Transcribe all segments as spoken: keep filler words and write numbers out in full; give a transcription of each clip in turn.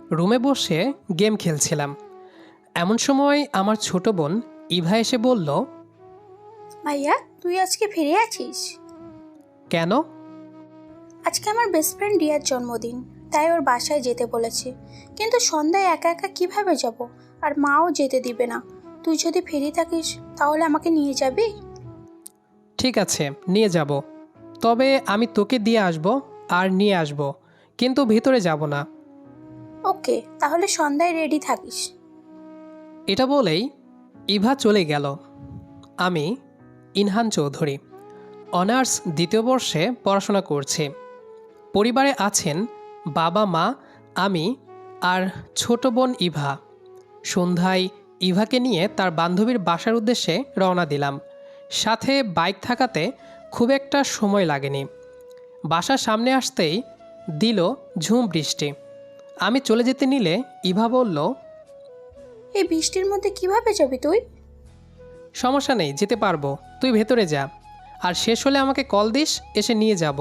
রুমে বসে গেম খেলছিলাম। এমন সময় আমার ছোট বোন ইভা এসে বলল, ভাইয়া তুই আজকে ফিরে আছিস? কেন? আজকে আমার বেস্ট ফ্রেন্ড রিয়ার জন্মদিন, তাই ওর বাসায় যেতে বলেছে। কিন্তু সন্ধ্যায় একা একা কিভাবে যাব? আর মাও যেতে দিবে না। তুই যদি ফিরে থাকিস তাহলে আমাকে নিয়ে যাবি? ঠিক আছে, নিয়ে যাব। তবে আমি তোকে দিয়ে আসব আর নিয়ে আসব, কিন্তু ভিতরে যাব না। ওকে, তাহলে সন্ধ্যায় রেডি থাকিস। এটা বলেই ইভা চলে গেল। আমি ইনহান চৌধুরী, অনার্স দ্বিতীয় বর্ষে পড়াশোনা করছি। পরিবারে আছেন বাবা মা, আমি আর ছোট বোন ইভা। সন্ধ্যায় ইভাকে নিয়ে তার বান্ধবীর বাসার উদ্দেশ্যে রওনা দিলাম। সাথে বাইক থাকাতে খুব একটা সময় লাগেনি। বাসার সামনে আসতেই দিল ঝুম বৃষ্টি। আমি চলে যেতে নিলে ইভা বলল, এই বৃষ্টির মধ্যে কিভাবে যাবি তুই? সমস্যা নেই, যেতে পারবো, তুই ভেতরে যা, আর শেষ হলে আমাকে কল দিস, এসে নিয়ে যাব।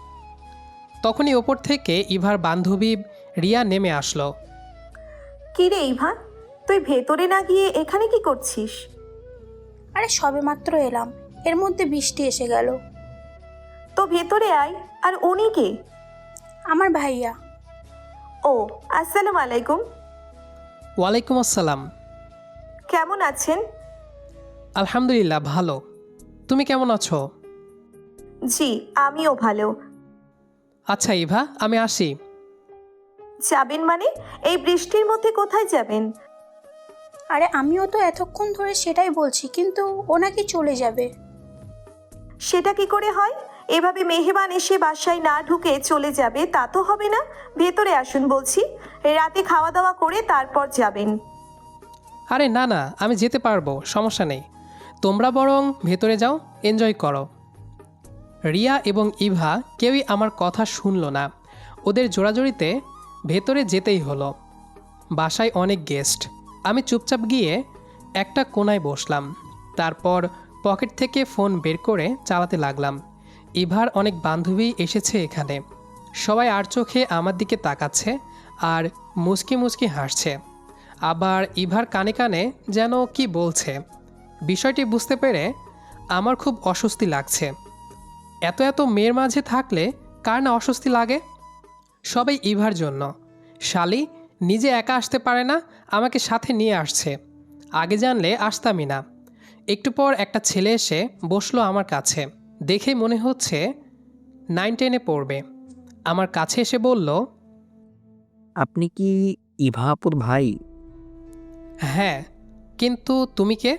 তখনই ওপর থেকে ইভার বান্ধবী রিয়া নেমে আসলো। কি রে ইভা, তুই ভেতরে না গিয়ে এখানে কি করছিস? আরে সবেমাত্র এলাম, এর মধ্যে বৃষ্টি এসে গেল। তো ভেতরে আয়। আর উনি কে? আমার ভাইয়া। ও, আসসালামু আলাইকুম। ওয়ালাইকুম আসসালাম। কেমন আছেন? আলহামদুলিল্লাহ ভালো। তুমি কেমন আছো? জি, আমিও ভালো। আচ্ছা ইভা, আমি আসি। যাবেন মানে? এই বৃষ্টির মধ্যে কোথায় যাবেন? আরে আমিও তো এতক্ষণ ধরে সেটাই বলছি, কিন্তু ও নাকি চলে যাবে। সেটা কি করে হয়? এভাবে মেহমান এসে বাসায় না ঢুকে চলে যাবে তা তো হবে না। ভেতরে আসুন বলছি। রাতে খাওয়া দাওয়া করে তারপর যাবেন। আরে না না, আমি যেতে পারবো, সমস্যা নেই। তোমরা বরং ভেতরে যাও, এনজয় করো। রিয়া এবং ইভা কেউই আমার কথা শুনল না। ওদের জোড়াজড়িতে ভেতরে যেতেই হলো। বাসায় অনেক গেস্ট। আমি চুপচাপ গিয়ে একটা কোনায় বসলাম। তারপর পকেট থেকে ফোন বের করে চালাতে লাগলাম। ইভার অনেক বান্ধবী এসেছে এখানে। সবাই আর চোখে আমার দিকে তাকাচ্ছে আর মুচকি মুচকি হাসছে। আবার ইভার কানে কানে যেন কি বলছে। বিষয়টি বুঝতে পেরে আমার খুব অস্বস্তি লাগছে। এত এত মেয়ের মাঝে থাকলে কার না অস্বস্তি লাগে? সবাই ইভার জন্য। শালি নিজে একা আসতে পারে না, আমাকে সাথে নিয়ে আসছে। আগে জানলে আসতামই না। একটু পর একটা ছেলে এসে বসলো আমার কাছে। দেখেই মনে হচ্ছে নাইন টেনে পড়বে। আমার কাছে এসে বলল, আপনি কি ইভা আপুর ভাই? হ্যাঁ, কিন্তু তুমি কে?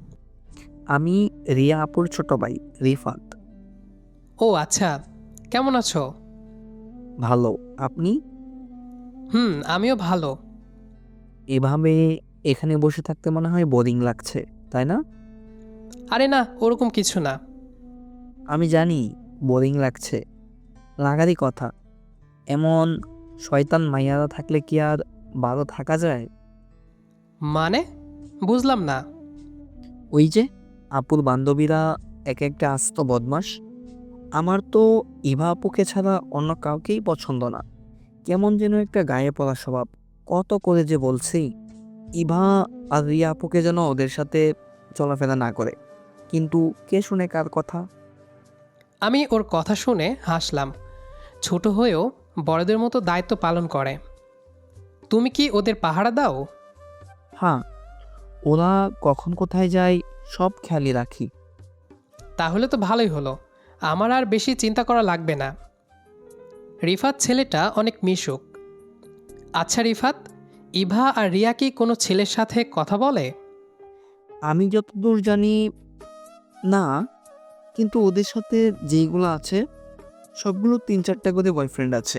আমি রিয়া আপুর ছোট ভাই রিফাত। ও আচ্ছা, কেমন আছো? ভালো, আপনি? হুম, আমিও ভালো। এভাবে এখানে বসে থাকতে মনে হয় বোরিং লাগছে, তাই না? আরে না, ওরকম কিছু না। আমি জানি বোরিং লাগছে, লাগারই কথা। এমন শয়তান মাইয়ারা থাকলে কি আর ভালো থাকা যায়? মানে বুঝলাম না। ওই যে আপুর বান্ধবীরা এক একটা আস্ত বদমাস। আমার তো ইভা আপুকে ছাড়া অন্য কাউকেই পছন্দ না। কেমন যেন একটা গায়ে পড়া স্বভাব। কত করে যে বলছি ইভা আর রিয়া আপুকে যেন ওদের সাথে চলাফেরা না করে, কিন্তু কে শুনে কার কথা। আমি ওর কথা শুনে হাসলাম। ছোট হয়েও বড়দের মতো দায়িত্ব পালন করে। তুমি কি ওদের পাহারা দাও? হ্যাঁ, ওরা কখন কোথায় যায় সব খেয়ালই রাখি। তাহলে তো ভালোই হলো, আমার আর বেশি চিন্তা করা লাগবে না। রিফাত ছেলেটা অনেক মিশুক। আচ্ছা রিফাত, ইভা আর রিয়া কি কোনো ছেলের সাথে কথা বলে? আমি যতদূর জানি না, কিন্তু ওদের সাথে যেইগুলো আছে সবগুলো তিন চারটা করে বয়ফ্রেন্ড আছে।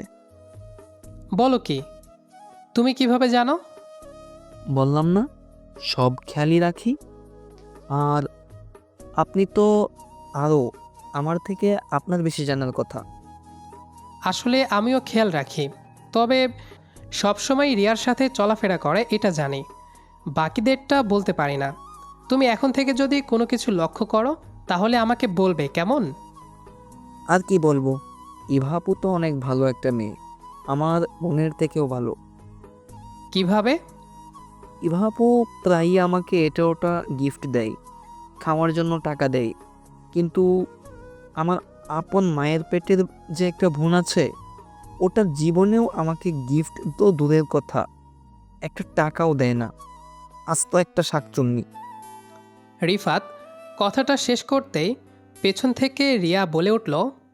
বলো কি, তুমি কিভাবে জানো? বললাম না, সব খেয়ালই রাখি। আর আপনি তো আরও আমার থেকে আপনার বেশি জানার কথা। আসলে আমিও খেয়াল রাখি, তবে সবসময় রিয়ার সাথে চলাফেরা করে এটা জানি, বাকিদেরটা বলতে পারি না। তুমি এখন থেকে যদি কোনো কিছু লক্ষ্য করো তাহলে আমাকে বলবে, কেমন? আর কি বলবো, ইভা আপু তো অনেক ভালো একটা মেয়ে, আমার বোনের থেকেও ভালো। কিভাবে? ইভা আপু প্রায়ই আমাকে এটা ওটা গিফট দেয়, খাওয়ার জন্য টাকা দেয়, কিন্তু আমার আপন মায়ের পেটের যে একটা বোন আছে, ওটা জীবনেও আমাকে গিফট তো দূরের কথা, একটা টাকাও দেয় না। আস্ত একটা শাকচুন্নি। রিফাত কথাটা শেষ করতেই পেছন থেকে রিয়া বলে উঠল,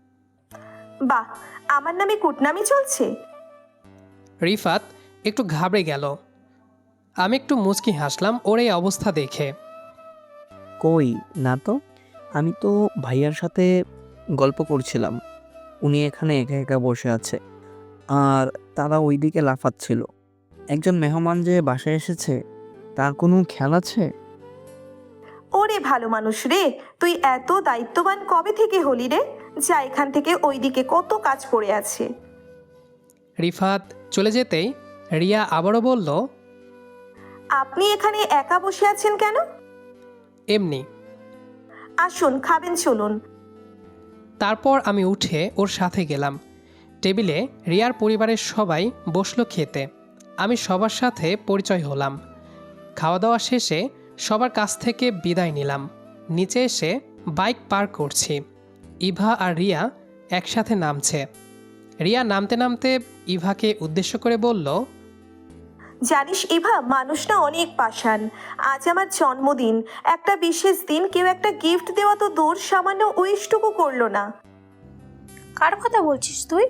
বাহ, আমার নামে কুটনামি চলছে। রিফাত একটু ঘাবড়ে গেল। আমি একটু মুচকি হাসলাম ওর এই অবস্থা দেখে। কই না তো, আমি তো ভাইয়ার সাথে গল্প করছিলাম, উনি এখানে একা একা বসে আছে আর তারা ওইদিকে লাফাচ্ছিল। একজন মেহমান যে বাসায় এসেছে, তার কোনো খেয়াল আছে? ওরে ভালো মানুষ রে, তুই এত দায়িত্ববান কবে থেকে হলি রে? যা এখান থেকে, ওইদিকে কত কাজ পড়ে আছে। রিফাত চলে যেতেই রিয়া আবারও বলল, আপনি এখানে একা বসে আছেন কেন? এমনি। আসুন, খাবেন, চলুন। তারপর আমি উঠে ওর সাথে গেলাম। টেবিলে রিয়ার পরিবারের সবাই বসলো খেতে। আমি সবার সাথে পরিচয় হলাম। খাওয়া দাওয়া শেষে সবার কাছ থেকে বিদায় নিলাম। নিচে এসে বাইক পার্ক করছি। ইভা আর রিয়া একসাথে নামছে। রিয়া নামতে নামতে ইভাকে উদ্দেশ্য করে বলল, জানিস ইভা, মানুষ না অনেক পাষাণ। আজ আমার জন্মদিন, একটা বিশেষ দিন, কেউ একটা গিফট দেওয়া তো দূর, সামান্য উইশটুকু করলো না। কার কথা বলছিস তুই?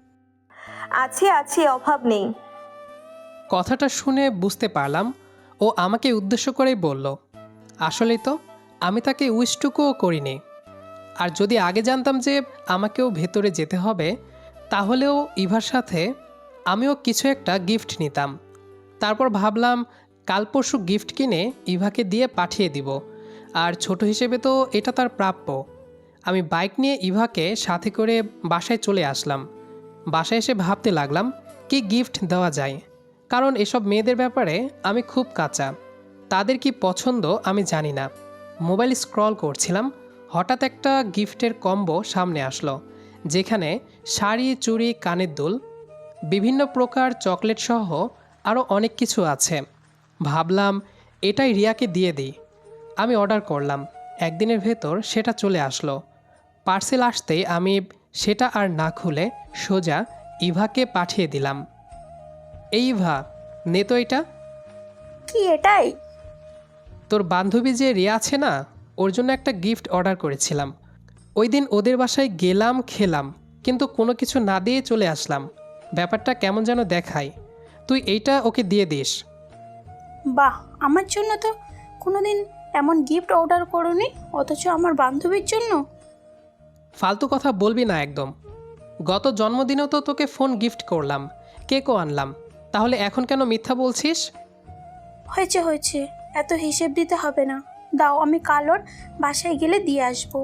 আছে আছে, অভাব নেই। কথাটা শুনে বুঝতে পারলাম ও আমাকে উদ্দেশ্য করেই বলল। আসলেই তো আমি তাকে উইশটুকুও করিনি। আর যদি আগে জানতাম যে আমাকেও ভেতরে যেতে হবে, তাহলেও ইভার সাথে আমিও কিছু একটা গিফট নিতাম। তারপর ভাবলাম কাল পরশু গিফট কিনে ইভাকে দিয়ে পাঠিয়ে দিব, আর ছোট হিসেবে তো এটা তার প্রাপ্য। আমি বাইক নিয়ে ইভাকে সাথে করে বাসায় চলে আসলাম। বাসায় এসে ভাবতে লাগলাম কি গিফট দেওয়া যায়, কারণ এসব মেয়েদের ব্যাপারে আমি খুব কাঁচা। তাদের কি পছন্দ আমি জানি না। মোবাইল স্ক্রল করছিলাম, হঠাৎ একটা গিফটের কম্বো সামনে আসলো, যেখানে শাড়ি, চুড়ি, কানের দুল, বিভিন্ন প্রকার চকলেট সহ আরও অনেক কিছু আছে। ভাবলাম এটাই রিয়াকে দিয়ে দিই। আমি অর্ডার করলাম, একদিনের ভেতর সেটা চলে আসলো। পার্সেল আসতেই আমি সেটা আর না খুলে সোজা ইভাকে পাঠিয়ে দিলাম। এই ইভা, নে তো এটা। কি এটাই? তোর বান্ধবী যে রিয়া আছে না, ওর জন্য একটা গিফট অর্ডার করেছিলাম। ওই দিন ওদের বাসায় গেলাম, খেলাম, কিন্তু কোনো কিছু না দিয়ে চলে আসলাম। ব্যাপারটা কেমন যেন দেখায়। তুই এইটা ওকে দিয়ে দিস। বাহ, আমার জন্য তো কোনোদিন এমন গিফট অর্ডার করোনি, অথচ আমার বান্ধবীর জন্য। ফালতু কথা বলবি না একদম। গত জন্মদিনেও তো তোকে ফোন গিফট করলাম, কেকও আনলাম, তাহলে এখন কেন মিথ্যা বলছিস? হয়েছে হয়েছে, এত হিসেব দিতে হবে না। দাও, আমি কাল ওর বাসায় গেলে দিয়ে আসবো।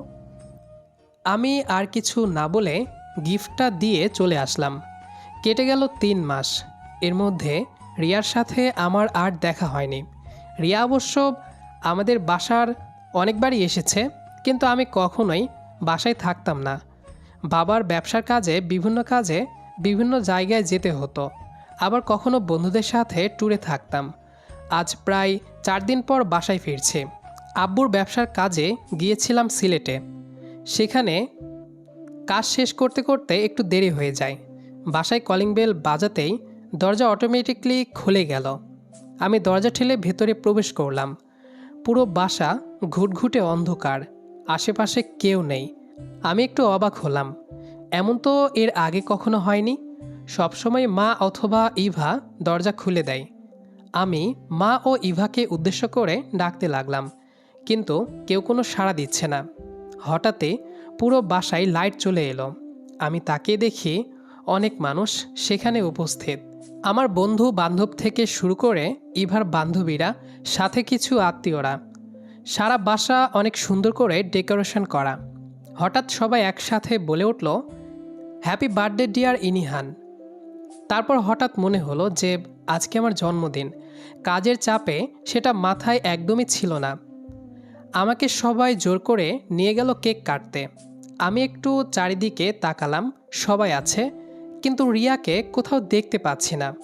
আমি আর কিছু না বলে গিফটটা দিয়ে চলে আসলাম। কেটে গেল তিন মাস। এর মধ্যে রিয়ার সাথে আমার আর দেখা হয়নি। রিয়া অবশ্য আমাদের বাসার অনেকবারই এসেছে, কিন্তু আমি কখনোই বাসায় থাকতাম না। বাবার ব্যবসার কাজে বিভিন্ন কাজে বিভিন্ন জায়গায় যেতে হতো, আবার কখনো বন্ধুদের সাথে ট্যুরে থাকতাম। আজ প্রায় চার দিন পর বাসায় ফিরছি। আব্বুর ব্যবসার কাজে গিয়েছিলাম সিলেটে। সেখানে কাজ শেষ করতে করতে একটু দেরি হয়ে যায়। বাসায় কলিং বেল বাজাতেই দরজা অটোমেটিকলি খুলে গেল। আমি দরজা ঠেলে ভেতরে প্রবেশ করলাম। পুরো বাসা ঘুটঘুটে অন্ধকার, আশেপাশে কেউ নেই। আমি একটু অবাক হলাম, এমন তো এর আগে কখনো হয়নি। সবসময় মা অথবা ইভা দরজা খুলে দেয়। আমি মা ও ইভাকে উদ্দেশ্য করে ডাকতে লাগলাম, কিন্তু কেউ কোনো সাড়া দিচ্ছে না। হঠাৎই পুরো বাসায় লাইট চলে এলো। আমি তাকিয়ে দেখি অনেক মানুষ সেখানে উপস্থিত। আমার বন্ধু বান্ধব থেকে শুরু করে ইভার বান্ধবীরা, সাথে কিছু আত্মীয়রা। সারা বাসা অনেক সুন্দর করে ডেকোরেশন করা। হঠাৎ সবাই একসাথে বলে উঠল, হ্যাপি বার্থডে ডিয়ার ইনিহান। তারপর হঠাৎ মনে হলো যে আজকে আমার জন্মদিন। কাজের চাপে সেটা মাথায় একদমই ছিল না। আমাকে সবাই জোর করে নিয়ে গেল কেক কাটতে। আমি একটু চারিদিকে তাকালাম, সবাই আছে, কিন্তু রিয়াকে কোথাও দেখতে পাচ্ছি না।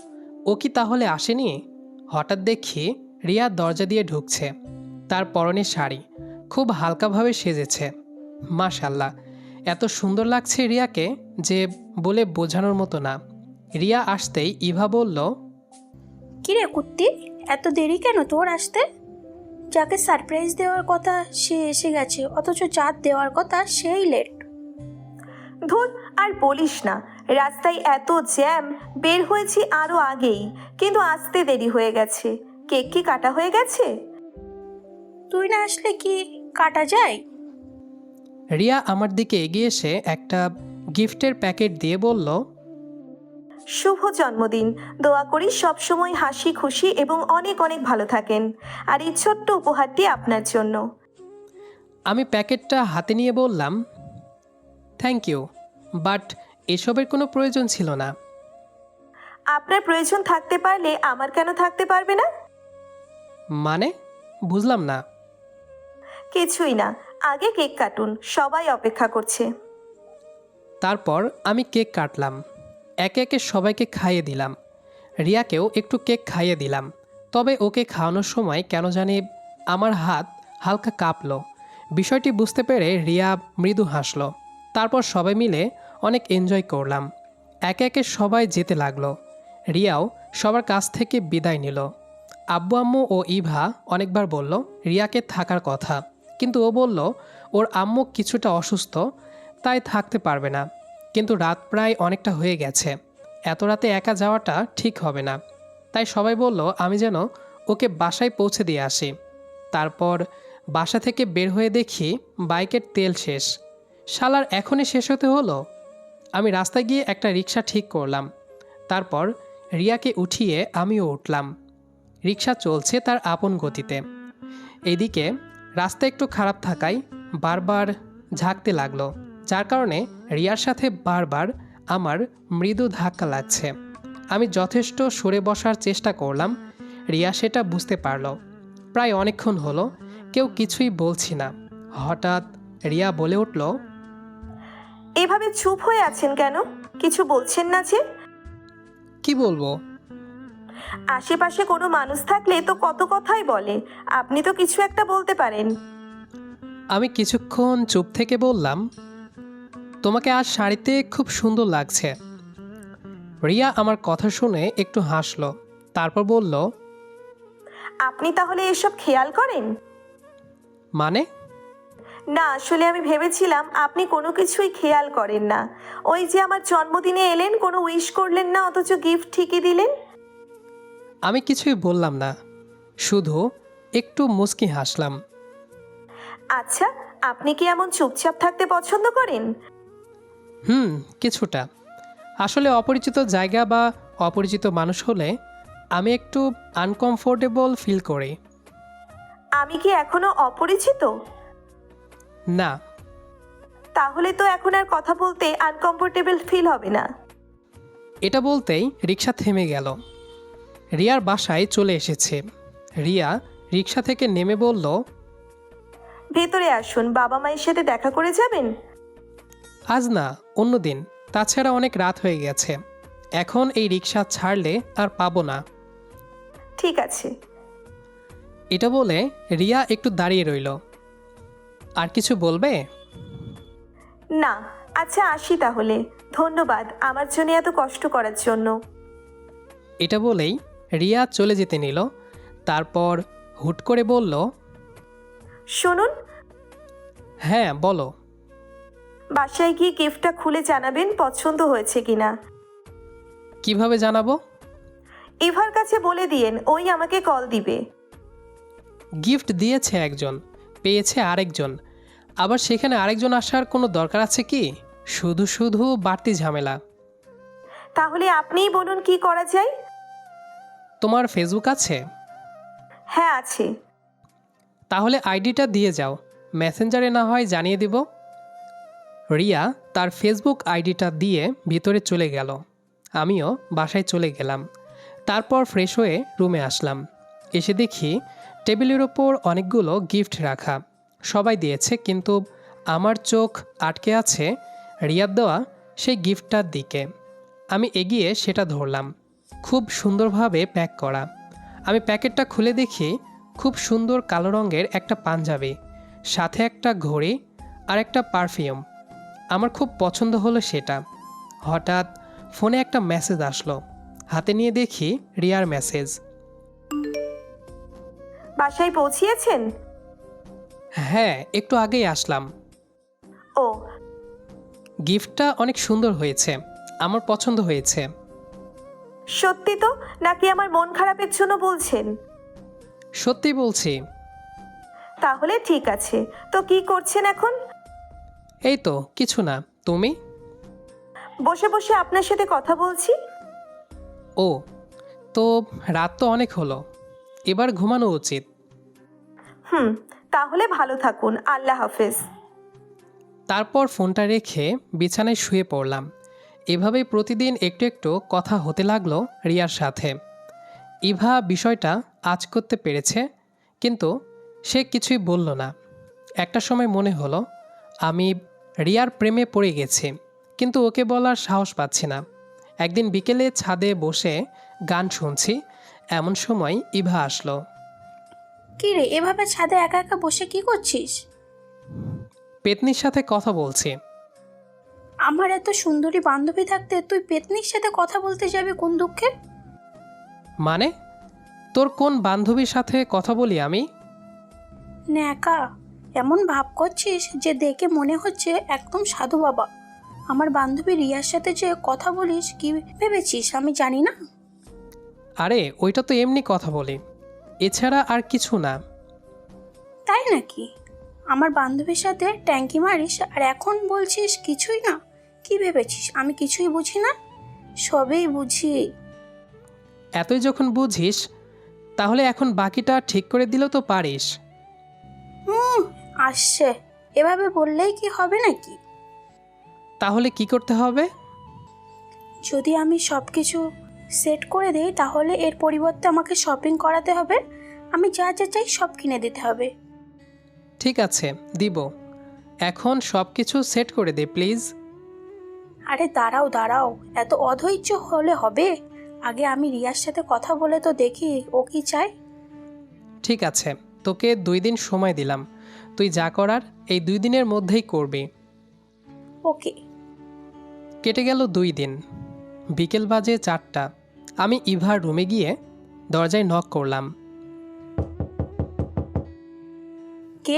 ও কি তাহলে আসেনি? হঠাৎ দেখি রিয়া দরজা দিয়ে ঢুকছে। তার পরনে শাড়ি, খুব হালকাভাবে সেজেছে। মাশাল্লাহ, এত সুন্দর লাগছে রিয়াকে যে বলে বোঝানোর মতো না। রিয়া আসতেই ইভা বলল, কিরে কুত্তি, এত দেরি কেন তোর আসতে? যাকে সারপ্রাইজ দেওয়ার কথা সে এসে গেছে, অথচ চাঁদ দেওয়ার কথা সেই লেট। ধুর, আর বলিস না, রাস্তায় এত জ্যাম, বের হয়েছি আরও আগেই, কিন্তু আসতে দেরি হয়ে গেছে। কেক কি কাটা হয়ে গেছে? তুই না আসলে কি কাটা যায়? রিয়া আমার দিকে এগিয়ে এসে একটা গিফটের প্যাকেট দিয়ে বলল, শুভ জন্মদিন। দোয়া করি সবসময় হাসি খুশি এবং অনেক অনেক ভালো থাকেন। আর এই ছোট্ট উপহারটি আপনার জন্য। আমি প্যাকেটটা হাতে নিয়ে বললাম, থ্যাংক ইউ, বাট এসবের কোনো প্রয়োজন ছিল না। আপনার প্রয়োজন থাকতে পারলে আমার কেন থাকতে পারবে না? মানে বুঝলাম না। কিছুই না, আগে কেক কাটুন, সবাই অপেক্ষা করছে। তারপর আমি কেক কাটলাম, একে একে সবাইকে খাইয়ে দিলাম। রিয়াকেও একটু কেক খাইয়ে দিলাম। তবে ওকে খাওয়ানোর সময় কেন জানি আমার হাত হালকা কাঁপলো। বিষয়টি বুঝতে পেরে রিয়া মৃদু হাসলো। তারপর সবাই মিলে অনেক এনজয় করলাম। একে একে সবাই যেতে লাগলো। রিয়াও সবার কাছ থেকে বিদায় নিল। আব্বু আম্মু ও ইভা অনেকবার বলল রিয়াকে থাকার কথা, কিন্তু ও বলল ওর আম্মু কিছুটা অসুস্থ, তাই থাকতে পারবে না। কিন্তু রাত প্রায় অনেকটা হয়ে গেছে, এত রাতে একা যাওয়াটা ঠিক হবে না। তাই সবাই বলল আমি যেন ওকে বাসায় পৌঁছে দিয়ে আসি। তারপর বাসা থেকে বের হয়ে দেখি বাইকের তেল শেষ। শালার এখনই শেষ হতে হলো। আমি রাস্তায় গিয়ে একটা রিক্সা ঠিক করলাম। তারপর রিয়াকে উঠিয়ে আমিও উঠলাম। রিক্সা চলছে তার আপন গতিতে। এইদিকে রাস্তা একটু খারাপ থাকায় বারবার ঝাঁকতে লাগলো, যার কারণে রিয়ার সাথে বারবার আমার মৃদু ধাক্কা লাগছে। আমি যথেষ্ট সরে বসার চেষ্টা করলাম, রিয়া সেটা বুঝতে পারল। প্রায় অনেকক্ষণ হলো কেউ কিছুই বলছি না। হঠাৎ রিয়া বলে উঠল, এভাবে চুপ হয়ে আছেন কেন? কিছু বলছেন না যে? কি বলবো? আশেপাশে কোনো মানুষ থাকলে তো কত কথাই বলে, আপনি তো কিছু একটা বলতে পারেন। আমি কিছুক্ষণ চুপ থেকে বললাম, তোমাকে আজ শাড়িতে খুব সুন্দর লাগছে। রিয়া আমার কথা শুনে একটু হাসলো, তারপর বলল, আপনি তাহলে এসব খেয়াল করেন? মানে? না, আসলে আমি ভেবেছিলাম আপনি কোনো কিছুই খেয়াল করেন না। ওই যে আমার জন্মদিনে এলেন, কোনো উইশ করলেন না, অথচ গিফট ঠিকই দিলেন। আমি কিছুই বললাম না, শুধু একটু মুচকি হাসলাম। আচ্ছা, আপনি কি এমন চুপচাপ থাকতে পছন্দ করেন? হুম, কিছুটা। আসলে অপরিচিত জায়গা বা অপরিচিত মানুষ হলে আমি একটু আনকমফোর্টেবল ফিল করি। আমি কি এখনো অপরিচিত? না। তাহলে তো এখন আর কথা বলতে আনকমফোর্টেবল ফিল হবে না। এটা বলতেই রিক্সা থেমে গেল। রিয়ার বাসায় চলে এসেছে। রিয়া রিক্সা থেকে নেমে বলল, ভেতরে আসুন, বাবা মায়ের সাথে দেখা করে যাবেন। আজ না, অন্য দিন। তাছাড়া অনেক রাত হয়ে গেছে, এখন এই রিক্সা ছাড়লে আর পাবো না। ঠিক আছে। এটা বলে রিয়া একটু দাঁড়িয়ে রইল। আর কিছু বলবে? না। আচ্ছা, আসি তাহলে। ধন্যবাদ আমার জন্য এত কষ্ট করার জন্য। এটা বলেই রিয়া চলে যেতে নিল। তারপর হুট করে বলল, শুনুন। হ্যাঁ বলো। বাসায় গিয়ে গিফটটা খুলে জানাবেন পছন্দ হয়েছে কিনা। কিভাবে জানাবো? ইভার কাছে বলে দিয়েন, ওই আমাকে কল দিবে। গিফট দিয়েছে একজন, পেয়েছে আরেকজন, আবার সেখানে আরেকজন আসার কোনো দরকার আছে কি? শুধু শুধু বাড়তি ঝামেলা। তাহলে আপনিই বলুন কি করা যায়। তোমার ফেসবুক আছে? হ্যাঁ আছে। তাহলে আইডিটা দিয়ে যাও, মেসেঞ্জারে না হয় জানিয়ে দিব। রিয়া তার ফেসবুক আইডিটা দিয়ে ভিতরে চলে গেল। আমিও বাসায় চলে গেলাম। তারপর ফ্রেশ হয়ে রুমে আসলাম। এসে দেখি টেবিলের ওপর অনেকগুলো গিফট রাখা। সবাই দিয়েছে, কিন্তু আমার চোখ আটকে আছে রিয়ার দেওয়া সেই গিফটটার দিকে। আমি এগিয়ে সেটা ধরলাম। খুব সুন্দরভাবে প্যাক করা। আমি প্যাকেটটা খুলে দেখি খুব সুন্দর কালো রঙের একটা পাঞ্জাবি, সাথে একটা ঘড়ি আর একটা পারফিউম। আমার খুব পছন্দ হলো সেটা। হঠাৎ ফোনে একটা মেসেজ আসলো। হাতে নিয়ে দেখি রিয়ার মেসেজ। বাসায় পৌঁছিয়েছেন? হ্যাঁ, একটু আগেই আসলাম। ও, গিফটটা অনেক সুন্দর হয়েছে, আমার পছন্দ হয়েছে। সত্যি তো নাকি আমার মন খারাপের জন্য বলছেন? সত্যি বলছি। তাহলে ঠিক আছে, তো কি করছেন এখন? এই তো কিছু না, তুমি? বসে বসে আপনার সাথে কথা বলছি। ও, তো রাত তো অনেক হলো, এবার ঘুমানো উচিত। হুম, তাহলে ভালো থাকুন, আল্লাহ হাফেজ। তারপর ফোনটা রেখে বিছানায় শুয়ে পড়লাম। এভাবেই প্রতিদিন একটু একটু কথা হতে লাগলো রিয়ার সাথে। ইভা বিষয়টা আজ করতে পেরেছে, কিন্তু সে কিছুই বলল না। একটা সময় মনে হলো আমি রিয়ার প্রেমে পড়ে গেছি, কিন্তু ওকে বলার সাহস পাচ্ছি না। একদিন বিকেলে ছাদে বসে গান শুনছি, এমন সময় ইভা আসলো। কি রে, এভাবে ছাদে একা একা বসে কি করছিস? পেতনির সাথে কথা বলছি। আমার এত সুন্দরী বান্ধবী থাকতে তুই পেতনির সাথে কথা বলতে যাবি কোন দুঃখে? মানে, তোর কোন বান্ধবীর সাথে কথা বলি আমি? ন্যাকা, এমন ভাব করছিস যে দেখে মনে হচ্ছে একদম সাধু বাবা। আমার বান্ধবী রিয়ার সাথে যে কথা বলিস কি ভেবেছিস আমি জানি না? আরে ওইটা তো এমনি কথা বলি, এছাড়া আর কিছু না। তাই নাকি? আমার বান্ধবীর সাথে ট্যাঙ্কি মারিস আর এখন বলছিস কিছুই না? কি ভেবেছিস আমি কিছুই বুঝি না? সবেই বুঝি। এতই যখন বুঝিস, তাহলে এখন বাকিটা ঠিক করে দিলেও তো পারিস। হুম, আসছে। এভাবে বললেই কি হবে নাকি? তাহলে কি করতে হবে? যদি আমি সব কিছু সেট করে দিই তাহলে এর পরিবর্তে আমাকে শপিং করাতে হবে। আমি যা যা চাই সব কিনে দিতে হবে। ঠিক আছে, দিব। এখন সব কিছু সেট করে দে প্লিজ। আরে দাঁড়াও দাঁড়াও, এত অধৈর্য হলে হবে? আগে আমি রিয়ার সাথে কথা বলে তো দেখি ও কি চায়। ঠিক আছে, তোকে দুই দিন সময় দিলাম, তুই যা করার এই দুই দিনের মধ্যেই করবি। ওকে। কেটে গেল দুই দিন। বিকেল বাজে চারটা। আমি ইভার রুমে গিয়ে দরজায় নক করলাম। কে?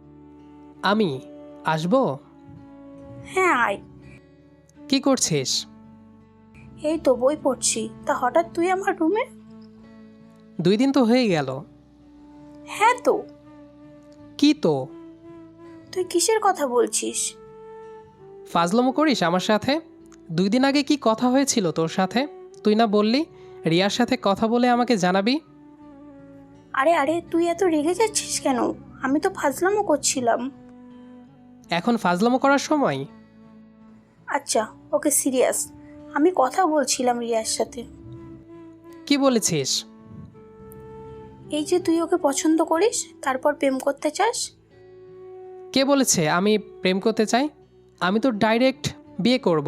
আমি আসবো? হ্যাঁ আয়। কি করছিস? এই তো বই পড়ছি, তা হঠাৎ তুই আমার রুমে? দুই দিন তো হয়ে গেল। হ্যাঁ তো। কি তো? তুই কিসের কথা বলছিস? ফাজলামো করিস আমার সাথে? দুই দিন আগে কি কথা হয়েছিল তোর সাথে? তুই না বললি রিয়ার সাথে কথা বলে আমাকে জানাবি? আরে আরে তুই এত রেগে যাচ্ছিস কেন? আমি তো ফাজলামো করছিলাম। এখন ফাজলামো করার সময়? আচ্ছা ওকে, সিরিয়াস। আমি কথা বলছিলাম রিয়ার সাথে। কি বলেছিস? এই যে তুই ওকে পছন্দ করিস, তারপর প্রেম করতে চাস। কে বলেছে আমি প্রেম করতে চাই? আমি তো ডাইরেক্ট বিয়ে করব।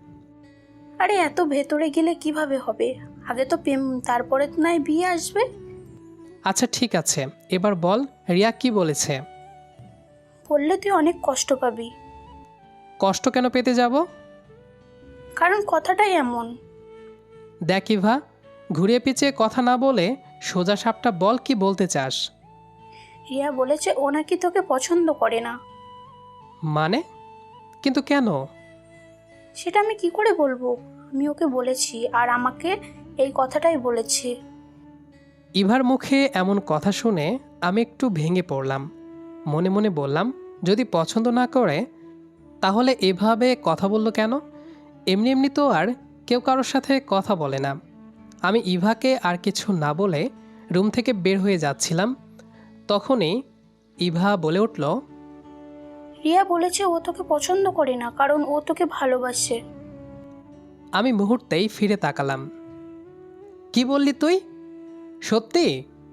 আরে এত ভেতরে গেলে কিভাবে হবে? আগে তো প্রেম, তারপরে তো নয় বিয়ে আসবে। আচ্ছা ঠিক আছে, এবার বল রিয়া কি বলেছে? বললে তুই অনেক কষ্ট পাবি। কষ্ট কেন পেতে যাব? কারণ কথাটাই এমন। দেখ ইভা, ঘুরিয়ে পিছিয়ে কথা না বলে সোজা সাপটা বল, কি বলতে চাস? রিয়া বলেছে ও নাকি তোকে পছন্দ করে না। মানে? কিন্তু কেন? সেটা আমি কি করে বলবো? আমি ওকে বলেছি আর আমাকে এই কথাটাই বলেছে। ইভার মুখে এমন কথা শুনে আমি একটু ভেঙে পড়লাম। মনে মনে বললাম, যদি পছন্দ না করে তাহলে এভাবে কথা বলল কেন? এমনি এমনি তো আর কেউ কারোর সাথে কথা বলে না। আমি ইভাকে আর কিছু না বলে রুম থেকে বের হয়ে যাচ্ছিলাম, তখনই ইভা বলে উঠল, রিয়া বলেছে ও তোকে পছন্দ করে না, কারণ ও তোকে ভালোবাসে। আমি মুহূর্তেই ফিরে তাকালাম। কি বললি তুই? সত্যি?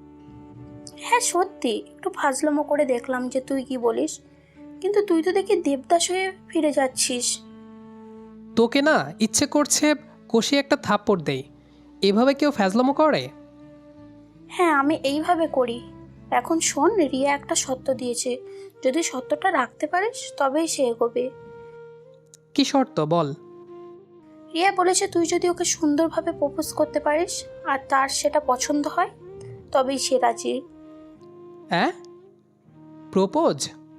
হ্যাঁ সত্যি, একটু ফাজলামো করে দেখলাম যে তুই কি বলিস, কিন্তু তুই তো দেখি দেবদাস হয়ে ফিরে যাচ্ছিস। তোকে না ইচ্ছে করছে কষিয়ে একটা থাপ্পড় দেই, এভাবে কেউ ফ্যাজলামো করে? হ্যাঁ, আমি এইভাবে করি। এখন শোন, রিয়া একটা সত্য দিয়েছে, যদি সত্যটা রাখতে পারিস তবেই সে এগোবে। কি শর্ত বল? রিয়া বলেছে তুই যদি ওকে সুন্দরভাবে প্রপোজ করতে পারিস আর তার সেটা পছন্দ হয় তবেই সে রাজি। হ্যাঁ, প্রপোজ?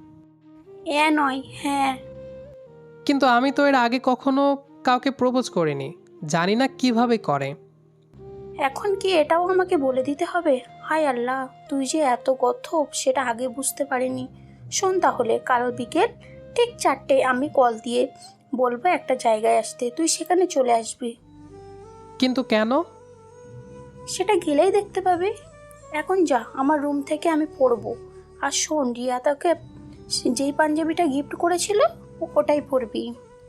এ নয়, হ্যাঁ। কিন্তু আমি তো এর আগে কখনো কাউকে প্রপোজ করিনি, জানি না কিভাবে করে। এখন কি এটাও আমাকে বলে দিতে হবে? হায় আল্লাহ, তুই যে এত গথব সেটা আগে বুঝতে পারিনি। শোন তাহলে, কাল বিকেল ঠিক চারটে আমি কল দিয়ে বলবো একটা জায়গায় আসতে, তুই সেখানে চলে আসবি। কিন্তু কেন? সেটা গেলেই দেখতে পাবি। এখন যা, আমার রুম থেকে আমি পরবো। আর শোন, রিয়া তাকে যেই পাঞ্জাবিটা গিফট করেছিল ওটাই পরবি।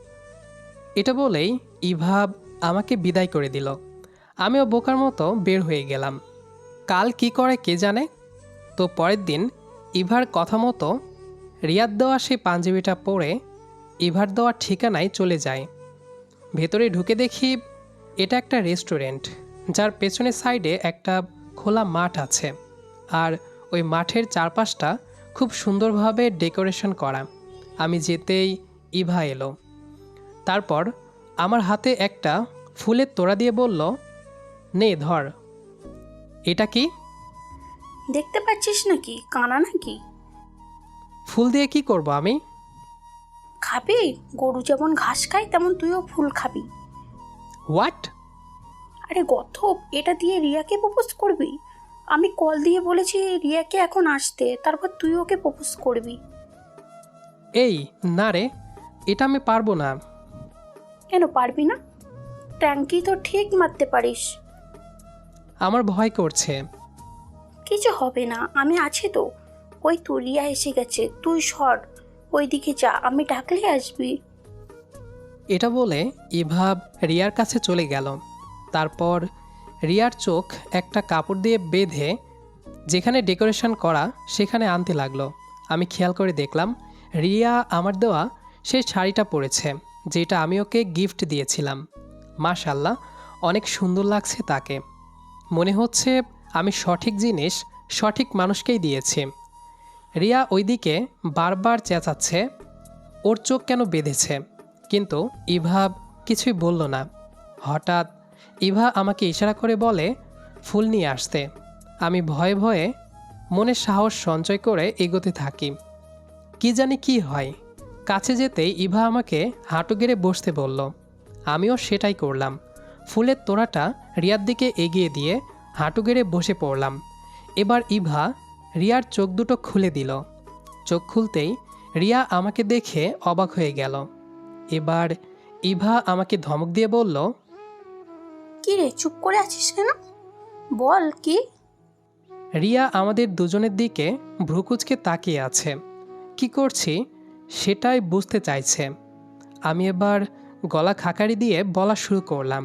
এটা বলেই ইভা আমাকে বিদায় করে দিল। আমিও বোকার মতো বের হয়ে গেলাম। কাল কি করে কে জানে। তো পরের দিন ইভার কথা মতো রিয়াদ দেওয়া সেই পাঞ্জাবিটা পরে ইভার দেওয়া ঠিকানায় চলে যায়। ভেতরে ঢুকে দেখি এটা একটা রেস্টুরেন্ট, যার পেছনের সাইডে একটা খোলা মাঠ আছে। আর ওই মাঠের চারপাশটা খুব সুন্দরভাবে ডেকোরেশন করা। আমি যেতেই ইভা এলো। তারপর আমার হাতে একটা ফুলের তোড়া দিয়ে বলল, নে ধর। এটা কি? দেখতে পাচ্ছিস নাকি, কানা নাকি? ফুল দিয়ে কি করব আমি? খাবি? গরু যেমন ঘাস খায় তেমন তুইও ফুল খাবি। হোয়াট? আরে গথব, এটা দিয়ে রিয়াকে প্রপোজ করবি? আমি কল দিয়ে বলেছি রিয়াকে এখন আসতে, তারপর তুই ওকে প্রপোজ করবি। এই না রে, এটা আমি পারবো না। কেন পারবি না? ট্যাঙ্কি তো ঠিক মারতে পারিস। আমার ভয় করছে। কিছু হবে না, আমি আছি তো। ওই তো রিয়া এসে গেছে, তুই সর ওই দিকে যা, আমি ডাকলে আসবি। এটা বলে ইভা রিয়ার কাছে চলে গেল। তারপর রিয়ার চোখ একটা কাপড় দিয়ে বেঁধে যেখানে ডেকোরেশন করা সেখানে আনতে লাগলো। আমি খেয়াল করে দেখলাম রিয়া আমার দেওয়া সেই শাড়িটা পরেছে, যেটা আমি ওকে গিফট দিয়েছিলাম। মাশাল্লাহ, অনেক সুন্দর লাগছে তাকে। মনে হচ্ছে আমি সঠিক জিনিস সঠিক মানুষকেই দিয়েছি। রিয়া ওইদিকে বারবার চেঁচাচ্ছে ওর চোখ কেন বেঁধেছে, কিন্তু ইভা কিছুই বলল না। হঠাৎ ইভা আমাকে ইশারা করে বলে ফুল নিয়ে আসতে। আমি ভয়ে ভয়ে মনে সাহস সঞ্চয় করে এগোতে থাকি। কি জানি কি হয়, কাছে যেতেই ইভা আমাকে হাঁটু গেড়ে বসতে বলল। আমিও সেটাই করলাম। ফুলের তোড়াটা রিয়ার দিকে এগিয়ে দিয়ে হাঁটু গেড়ে বসে পড়লাম। এবার ইভা রিয়ার চোখ দুটো খুলে দিল। চোখ খুলতেই রিয়া আমাকে দেখে অবাক হয়ে গেল। এবার ইভা আমাকে ধমক দিয়ে বলল, কি রে, চুপ করে আছিস কেন? বল কি? রিয়া আমাদের দুজনের দিকে ভ্রুকুচকে তাকিয়ে আছে। কি করছি সেটাই বুঝতে চাইছে। আমি এবার গলা খাকারি দিয়ে বলা শুরু করলাম,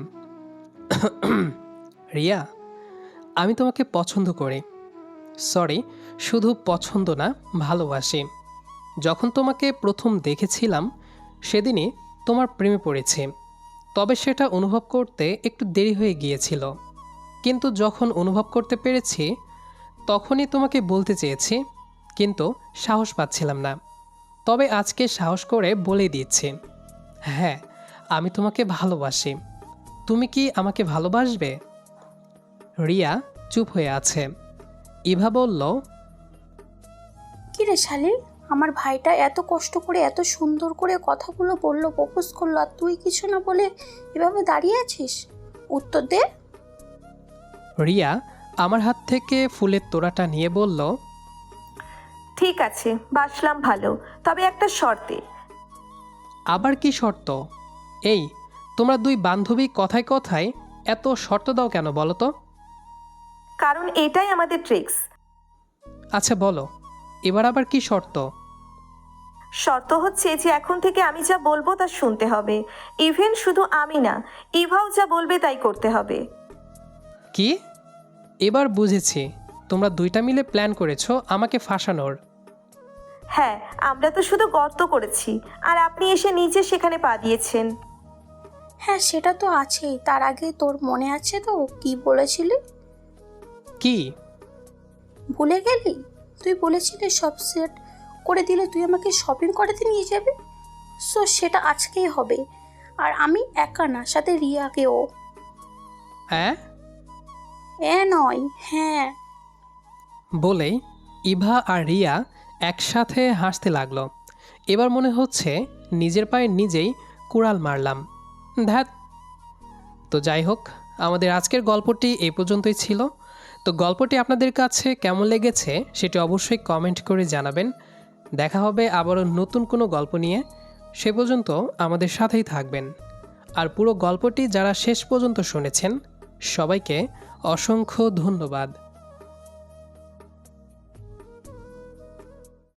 রিয়া, আমি তোমাকে পছন্দ করি। সরি, শুধু পছন্দ না, ভালোবাসি। যখন তোমাকে প্রথম দেখেছিলাম সেদিনই তোমার প্রেমে পড়েছি। তবে সেটা অনুভব করতে একটু দেরি হয়ে গিয়েছিল, কিন্তু যখন অনুভব করতে পেরেছি তখনই তোমাকে বলতে চেয়েছি, কিন্তু সাহস পাচ্ছিলাম না। তবে আজকে সাহস করে বলে দিচ্ছি, হ্যাঁ, আমি তোমাকে ভালোবাসি। তুমি কি আমাকে ভালোবাসবে? রিয়া চুপ হয়ে আছে। ইভা বলল, কি রে শালি, আমার ভাইটা এত কষ্ট করে এত সুন্দর করে কথাগুলো বললো, প্রপোজ করলো, আর তুই কিছু না বলে এভাবে দাঁড়িয়ে আছিস? উত্তর দে। রিয়া আমার হাত থেকে ফুলের তোড়াটা নিয়ে বলল, ঠিক আছে, বাসলাম ভালো, তবে একটা শর্তে। আবার কি শর্ত? এই, তোমরা দুই বান্ধবী কথায় কথায় এত শর্ত দাও কেন বলো তো? কারণ এটাই আমাদের ট্রিক্স। আচ্ছা বলো, এবার আবার কি শর্ত? শর্ত হচ্ছে যে এখন থেকে আমি যা বলবো তা শুনতে হবে। ইভেন শুধু আমি না, ইভাও যা বলবে তাই করতে হবে। কি? এবার বুঝেছি, তোমরা দুইটা মিলে প্ল্যান করেছো আমাকে ফাঁসানোর। হ্যাঁ, আমরা তো শুধু গর্ত করেছি আর আপনি এসে নিজে সেখানে পা দিয়েছেন। হ্যাঁ সেটা তো আছেই, তার আগে তোর মনে আছে তো কি বলেছিলি? কি? ভুলে গেলি? তুই বলেছিলি সব সেট করে দিলে তুই আমাকে শপিং করাতে নিয়ে যাবি। সো সেটা আজকেই হবে, আর আমি একা না, সাথে রিয়াকেও। হ্যাঁ এ নয়, হ্যাঁ। বলেই ইভা আর রিয়া একসাথে হাসতে লাগলো। এবার মনে হচ্ছে নিজের পায়ে নিজেই কুড়াল মারলাম। ধ্যাত। তো যাই হোক, আমাদের আজকের গল্পটি এই পর্যন্তই ছিল। তো গল্পটি আপনাদের কাছে কেমন লেগেছে সেটি অবশ্যই কমেন্ট করে জানাবেন। দেখা হবে আবারও নতুন কোনো গল্প নিয়ে। সে পর্যন্ত আমাদের সাথেই থাকবেন। আর পুরো গল্পটি যারা শেষ পর্যন্ত শুনেছেন সবাইকে অসংখ্য ধন্যবাদ।